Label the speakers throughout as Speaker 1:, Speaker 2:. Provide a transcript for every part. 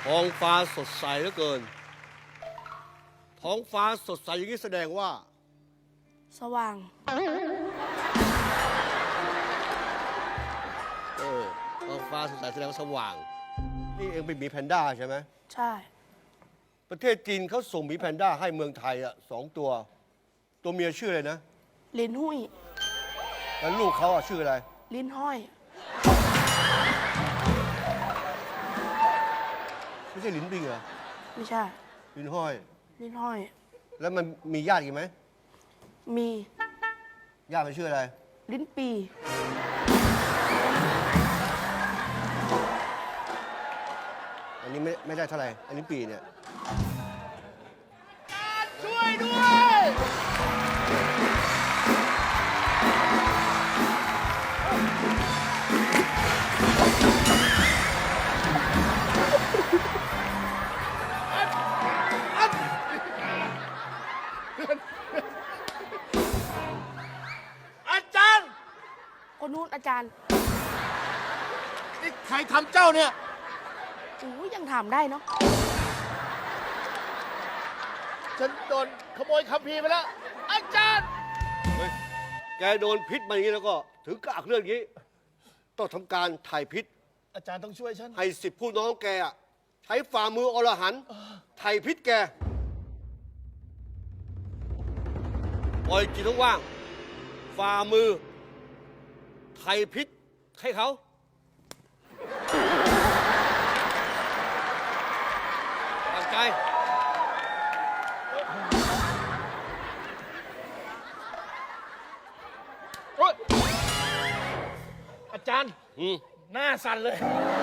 Speaker 1: ท้องฟ้าสดใสเหลือเกิน ท้องฟ้าสดใสอย่างนี้แสดงว่า
Speaker 2: สว่าง
Speaker 1: ท้องฟ้าสดใสแสดงว่าสว่าง นี่เองเป็นหมีแพนด้าใช่ไหม
Speaker 2: ใช่
Speaker 1: ประเทศจีนเขาส่งหมีแพนด้าให้เมืองไทยอ่ะ2 ตัว ตัวเมียชื่ออะไรนะ
Speaker 2: ลิ้นหุ้ย
Speaker 1: แล้วลูกเขาอ่ะชื่ออะไร
Speaker 2: ลิ้นห้อย
Speaker 1: ไม่ใช่ลิ้นปิงเหรอ
Speaker 2: ไม่ใช่
Speaker 1: ลิ้นห้อย
Speaker 2: ลิ้นห้อย
Speaker 1: แล้วมันมีญาติอีกไหม
Speaker 2: มี
Speaker 1: ญาติมันชื่ออะไร
Speaker 2: ลิ้นปี
Speaker 1: อันนี้ไม่ได้เท่าไหร่ อันนี้ปีเนี่ย
Speaker 3: ช่วยด้วย อาจารย์
Speaker 2: คนนู้นอาจารย์
Speaker 3: นี่ใครทำเจ้าเนี่ย
Speaker 2: ยังถามได้เนาะ
Speaker 3: ฉันโดนขโมยคัมภีร์ไปแล้ว อาจารย์
Speaker 1: เฮ้ย แกโดนพิษมาอย่างนี้แล้วก็ถึงกากเรื่องนี้ ต้องทำการถ่ายพิษ
Speaker 3: อาจารย์ต้องช่วยฉัน
Speaker 1: ให้10ผู้น้องแกอะใช้ฝ่ามืออรหันต์ถ่ายพิษแก ปล่อยจิตว่างๆฝ่ามือถ่ายพิษให้เขา ตั้งใจ
Speaker 3: โอ๊ยอาจารย์
Speaker 1: อืม
Speaker 3: หน้าสั่นเลย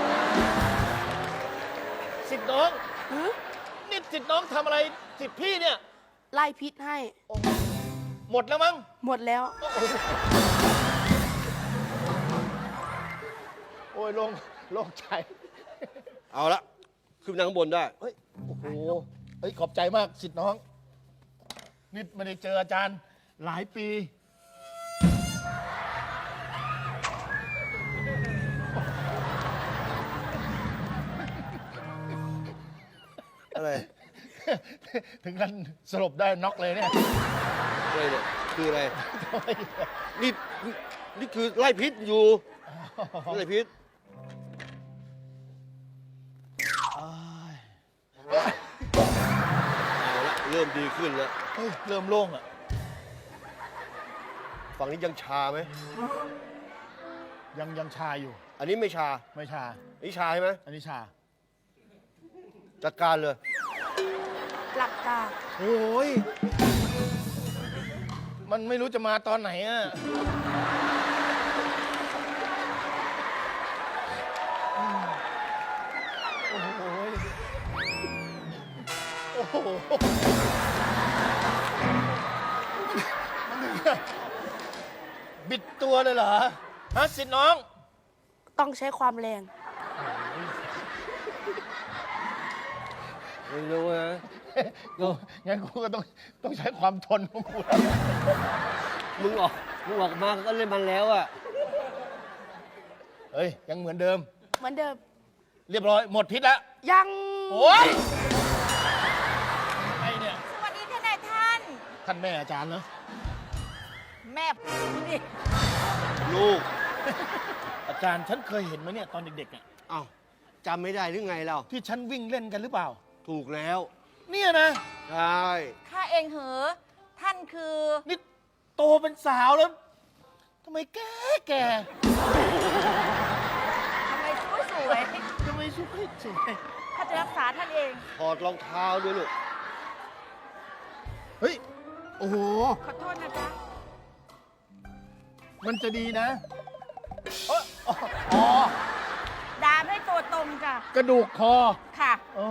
Speaker 3: สิทธิ์น้อง นี่สิทธิ์น้องทำอะไรสิทธิ์พี่เนี่ย
Speaker 2: ไล่พิษให้
Speaker 3: หมดแล้วมั้ง
Speaker 2: หมดแล้ว
Speaker 3: โอ้ยลงใจ
Speaker 1: เอาละขึ้นไปนั่งข้างบนได้
Speaker 3: เฮ้ย โอ้โห เฮ้ย ขอบใจมากสิทธิ์น้อง นี่ไม่ได้เจออาจารย์หลายปี
Speaker 1: อะไร
Speaker 3: ถึงกันสลบได้น็อกเลยเนี่ย
Speaker 1: อะไรเนี่ย คืออะไร นี่นี่คือไล่พิษอยู่ไล่พิษ เอาละเริ่มดีขึ้นแล้ว
Speaker 3: เฮ้ย เริ่มโล่งอ่ะ
Speaker 1: ฝั่งนี้ยังชาไหม
Speaker 3: ยังชาอยู่
Speaker 1: อันนี้ไม่ชา
Speaker 3: ไม่ชา
Speaker 1: อันนี้ชาใช่ไหม
Speaker 3: อันนี้ชา
Speaker 1: จัดการเลย
Speaker 2: หลับตา
Speaker 1: โอ้ย
Speaker 3: มันไม่รู้จะมาตอนไหนอ่ะ โอ้โห โอ้โห บิดตัวเลยเหรอ ฮะสิทธิ์น้อง
Speaker 2: ต้องใช้ความแรง
Speaker 1: ไม่รู้นะ
Speaker 3: งั้นกูก็ต้องใช้ความทนของกู
Speaker 1: มึงออกมาก็เล่นมันแล้วอะ
Speaker 3: เฮ้ย ยังเหมือนเดิม
Speaker 2: เหมือนเดิม
Speaker 3: เรียบร้อย หมดพิษแล้ว
Speaker 2: ยัง
Speaker 3: โอ้ยไอเนี่ย
Speaker 4: สวัสดีท่านนายท่าน
Speaker 3: ท่านแม่อาจารย์เหรอ
Speaker 4: แม่นี่
Speaker 1: ลูก
Speaker 3: อาจารย์ฉันเคยเห็นไหมเนี่ยตอนเด็กๆอ่ะ
Speaker 1: เอ้าจำไม่ได้หรือไงเรา
Speaker 3: ที่ฉันวิ่งเล่นกันหรือเปล่า
Speaker 1: ถูกแล้ว
Speaker 3: เนี่ยนะ
Speaker 1: ใช่
Speaker 4: ข้าเองเหอะท่านคือ
Speaker 3: นี่โตเป็นสาวแล้วทำไมแก่
Speaker 4: ทำไมสวยสวย
Speaker 3: ทำไมสวย
Speaker 4: ข้าจะรักษาท่านเอง
Speaker 1: ถอดรองเท้าด้วยลูก
Speaker 3: เฮ้ย โอ้โห
Speaker 4: ขอโทษนะจ๊ะ
Speaker 3: มันจะดีนะอ๋อ
Speaker 4: ดามให้ตัวตรงจ้ะ
Speaker 3: กระดูกคอ
Speaker 4: ค่ะ
Speaker 3: อ๋อ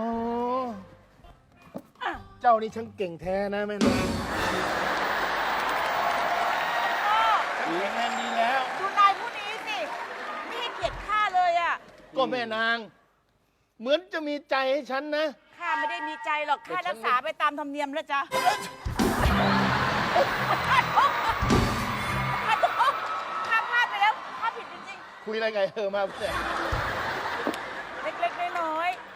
Speaker 3: เจ้านี่ช่างเก่งแท้นะแม่นางแข็งแรงดีแล้ว
Speaker 4: ดูนายผู้นี้สิ ไม่ให้เกียรติข้าเลยอ่ะ
Speaker 3: ก็แม่นาง เหมือนจะมีใจให้ฉันนะ
Speaker 4: ข้าไม่ได้มีใจหรอก ข้า
Speaker 3: แต่ฉัน
Speaker 4: รักษาไปตามธรรมเนียมแล้วจ้ะข้าพลาดไปแล้ว ข้าผิดจริง
Speaker 3: คุยอะไรไงมาเนี่ย
Speaker 4: ๆ เล็กๆน้อยๆ